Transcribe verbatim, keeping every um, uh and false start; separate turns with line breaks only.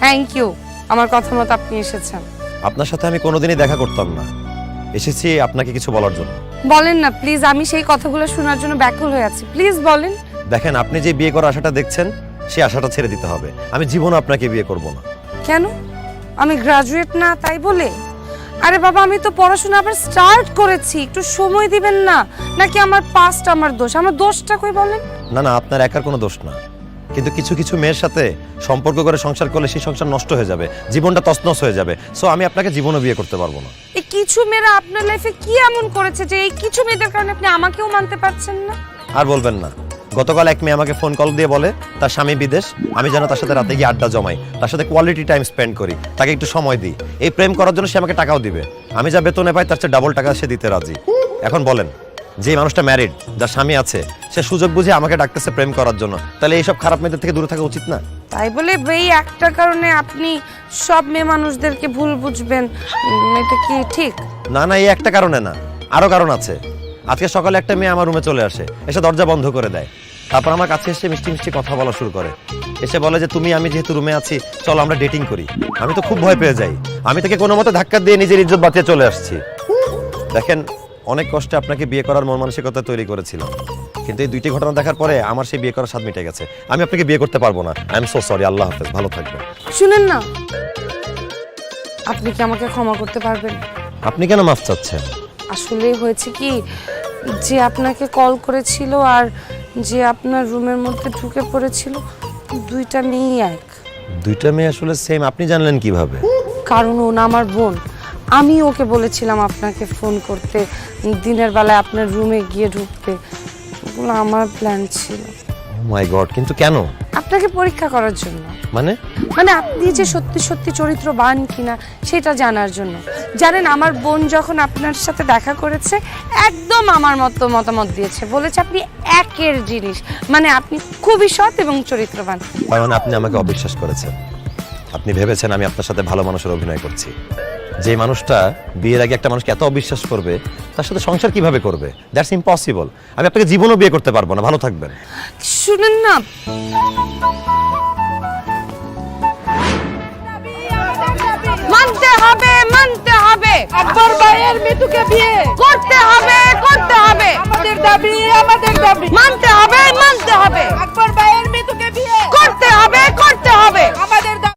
Thank you, আমার কথা মতো আপনি এসেছেন।
আপনার সাথে আমি কোনোদিনই দেখা করতাম না, এসেছি আপনাকে কিছু বলার জন্য।
বলেন না প্লিজ, আমি সেই কথাগুলো শোনার জন্য ব্যাকুল হয়ে আছি, প্লিজ বলেন।
দেখেন, আপনি যে বিয়ে করার আশাটা দেখছেন সেই আশাটা ছেড়ে দিতে হবে। আমি জীবনে আপনাকে বিয়ে করব না।
কেন? আমি গ্রাজুয়েট না তাই বলে? আরে বাবা, আমি তো পড়াশোনা আবার স্টার্ট করেছি, একটু সময় দিবেন না? নাকি আমার পাস্ট আমার দোষ? আমার দোষটা কই বলেন?
না না, আপনার একার কোনো দোষ না, কিন্তু কিছু কিছু মেয়ের সাথে সম্পর্ক করে সংসার করলে সেই সংসার নষ্ট হয়ে যাবে, জীবনটা তছনছ হয়ে যাবে। সো আমি আপনাকে জীবনে বিয়ে করতে পারবো না।
এই কিছু মেয়েরা আপনার লাইফে কি এমন করেছে যে এই কিছু মেয়েদের কারণে আপনি আমাকেও মানতে পারছেন না?
আর বলবেন না, গতকাল এক মেয়ে আমাকে ফোন কল দিয়ে বলে তার স্বামী বিদেশ, আমি যেন তার সাথে রাতে গিয়ে আড্ডা জমাই, তার সাথে কোয়ালিটি টাইম স্পেন্ড করি, তাকে একটু সময় দিই। এই প্রেম করার জন্য সে আমাকে টাকাও দিবে, আমি যা বেতনে পাই তার চেয়ে ডাবল টাকা সে দিতে রাজি। এখন বলেন, যে মানুষটা ম্যারিড, যার স্বামী আছে, সে সুযোগ বুঝে আমাকে ডাকতেছে প্রেম করার জন্য, তাহলে এইসব খারাপ মেয়েদের থেকে দূরে থাকা উচিত না?
তাই বলে এই একটা কারণে আপনি সব মেয়ে মানুষদেরকে ভুল বুঝবেন, উম, এটা কি ঠিক?
না না, এই একটা কারণে না, আরো কারণ আছে। আজকে সকালে একটা মেয়ে আমার রুমে চলে আসে, এসে দরজা বন্ধ করে দেয়, তারপর আমার কাছে এসে মিষ্টি মিষ্টি কথা বলা শুরু করে। এসে বলে যে তুমি আমি যেহেতু রুমে আছি, চলো আমরা ডেটিং করি। আমি তো খুব ভয় পেয়ে যাই, আমি তাকে কোনো মতে ধাক্কা দিয়ে নিজের ইজ্জত বাঁচিয়ে চলে আসছি। দেখেন, অনেক কষ্টে আপনাকে বিয়ে করার মন মানসিকতা তৈরি করেছিলাম, কিন্তু এই দুইটি ঘটনা দেখার পরে আমার সেই বিয়ে করার স্বাদ মিটে গেছে। আমি আপনাকে বিয়ে করতে পারবো না। I am so sorry. আল্লাহ হাফেজ, ভালো থাকবেন।
শুনেন না, আপনি কি আমাকে ক্ষমা করতে পারবেন?
আপনি কেন মাফ চাচ্ছেন?
আসলে হয়েছে কি, যে আপনাকে কল করেছিল আর যে আপনার রুমের মধ্যে ঢুকে পড়েছিল, দুইটা মেয়েই এক।
দুইটা মেয়ে আসলে সেম? আপনি জানলেন কিভাবে?
কারণ ও না আমার বোন। আমি ওকে বলেছিলাম আপনাকে ফোন করতে, দিনের বেলায় আপনার রুমে গিয়ে ঢুকতে। ওগুলো আমার প্ল্যান ছিল।
ও মাই গড, কিন্তু কেন?
আপনাকে পরীক্ষা করার জন্য।
মানে?
মানে আপনি যে সত্যি সত্যি চরিত্রবান কিনা সেটা জানার জন্য। জানেন, আমার বোন যখন আপনার সাথে দেখা করেছে একদম আমার মতো মতামত দিয়েছে, বলেছে আপনি একের জিনিস, মানে আপনি খুবই সৎ এবং চরিত্রবান।
তার মানে আপনি আমাকে অবিশ্বাস করেছেন। আপনি ভেবেছেন আমি আপনার সাথে ভালো মানুষের অভিনয় করছি। যে মানুষটা বিয়ের আগে একটা মানুষকে এত অবিশ্বাস করবে, তার সাথে সংসার কিভাবে করবে? That's impossible. আমি আপনাকে জীবনও বিয়ে করতে পারবো না। ভালো থাকবেন।
শুনেন না, মানতে হবে মানতে হবে,
আকবর ভাইয়ের মৃত্যুকে বিয়ে
করতে হবে করতে হবে,
আমাদের দাবি আমাদের দাবি
মানতে